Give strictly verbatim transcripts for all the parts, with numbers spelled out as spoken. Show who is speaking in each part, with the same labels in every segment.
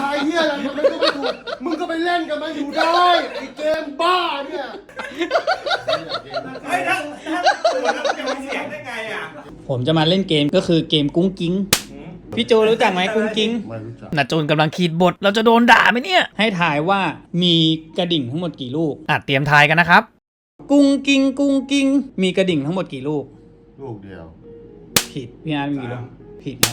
Speaker 1: ายเหี้ยอะไรทำไมก็ไม่ถูกมึงก็ไปเล่นกับมันอยู่ได้ไอ้เกมบ้าเนี่ย
Speaker 2: เฮ้ยถ้าถ้าตัวนั้นมันจะมีเสียงได้ไงอ่ะ
Speaker 3: ผมจะมาเล่นเกมก็คือเกมกุ้งกิ้งพี่โจรู้จักไหมกุ้งกิ้ง
Speaker 1: ไม่รู้จัก
Speaker 3: นาโจนกำลังขีดบทเราจะโดนด่าไหมเนี่ยให้ถ่ายว่ามีกระดิ่งทั้งหมดกี่ลูกอ่ะเตรียมทายกันนะครับกุ้งกิ้งกุ้งกิ้งมีกระดิ่งทั้งหมดกี่ลูก
Speaker 1: ลูกเดียว
Speaker 3: ผิดพี่อาร์ตมีกี่ลูกผิดครับ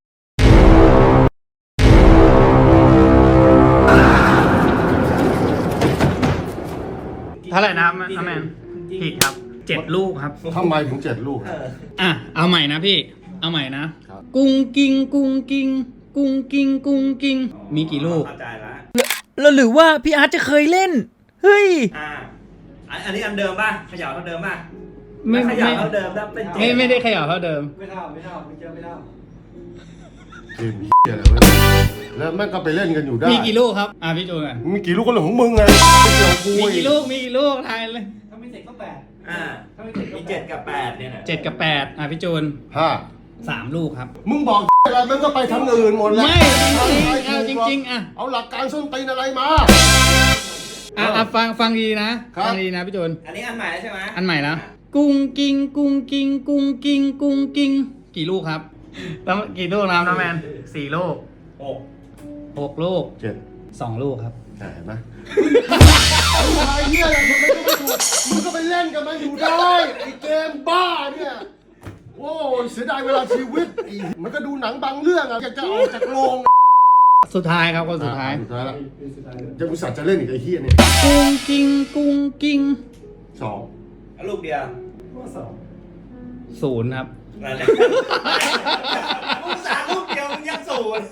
Speaker 3: เท่าไหร่นะแมนผิดครับเจ็ดลูกครับ
Speaker 1: ทำไมถึงเจ็ดลูกครับ
Speaker 3: อ่ะเอาใหม่นะพี่เอาใหม่นะครับ กุ้งกิ้งกุ้งกิ้งกุ้งกิ้งกุ้งกิ้งมีกี่ลูก
Speaker 2: เข้าใจละ
Speaker 3: แล้วหรือว่าพี่อาร์ตจะเคยเล่นเฮ้ย
Speaker 2: อ่าอันอันนี้อันเดิมป่ะเขย่าเท่าเดิมป่ะ
Speaker 3: ไม่
Speaker 2: เข
Speaker 3: ไม่
Speaker 2: ย่าเท่าเดิมแล้วเป็นเจ็
Speaker 3: ไม่ไม่ได้เขย่าเท่าเดิม
Speaker 4: ไม่เท่าไม่เท่าไม่เจอไม่เท่า
Speaker 1: เกมเหี้ยอะไรวะแล้วแม่งก็ไปเล่นกันอยู่ได้
Speaker 3: มีกี่ลูกครับอ่ะพี่โจกัน
Speaker 1: มีกี่ลูกก็เรื่องของมึงไงไม่เกี่ยวกับกู
Speaker 3: มีกี่ลูกมีกี่ลูกทายเลย
Speaker 4: ถ้าไม่เสร็จก็แปด
Speaker 2: อ่ามีเจ็ดกับแปดเนี่ยนะ
Speaker 3: เจ็ดกับแปดอ่ะพี่โจน
Speaker 1: ห้า
Speaker 3: สามลูกครับ
Speaker 1: มึงบอกอะไรมันก็ไปทางอื่นหมดแล้ว
Speaker 3: ไม่จริงๆเอาจริงๆอ่ะ
Speaker 1: เอาหลักการส้นตีนอะไรมา
Speaker 3: อ่ะอ่ะฟังฟังดีนะ
Speaker 1: ครับ
Speaker 3: ฟังดีนะพี่โจน
Speaker 2: อันนี้อันใหม่แล้วใช่ไหม
Speaker 3: อันใหม่นะกุ้งกิ้งกุ้งกิ้งกุ้งกิ้งกุ้งกิ้งกี่ลูกครับแล้วกี่ลูกนะน้องแมนสี่ลูก
Speaker 2: หก
Speaker 3: หกลูก
Speaker 1: เจ็ด
Speaker 3: สองลูกครับ
Speaker 1: เห็นไหมไอ้เหี้ยอะไรทำไมก็ไม่ถูกมึงก็ไปเล่นกับมันอยู่ได้ไอ้เกมบ้าเนี่ยโอ้ยเสียดายเวลาชีวิตอีมันก็ดูหนังบางเรื่องอะจะออกจากโรง
Speaker 3: สุดท้ายครับคนสุดท้าย
Speaker 1: สุดท้ายแล้วจะอุตส่าห์จะเล่นอีกไอ้เหี้ยเนี่ย
Speaker 3: กุ้งกิ้งกุ้งกิ้ง
Speaker 1: สอง
Speaker 2: อันลูกเดียว
Speaker 4: ข้อสอง
Speaker 3: ศูนย์ครับ
Speaker 2: นั่นแหละลูกสามลูกเดียวมึงยังศูนย์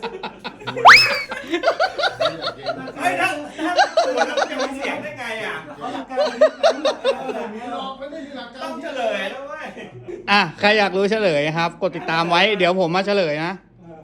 Speaker 2: เฮ้ยถ้าถ้าตัวนั้นมันจะมีเสียงได้ไงอ่ะ
Speaker 4: เขาหลักการนี้รู้หลักการแบบนี้
Speaker 1: หลอกไม่ได้มีหลักการ
Speaker 2: ต้องเฉลยแล้วเว้ย
Speaker 3: อ่ะใครอยากรู้เฉลยครับ กดติดตามไว้เดี๋ยวผมมาเฉลยนะ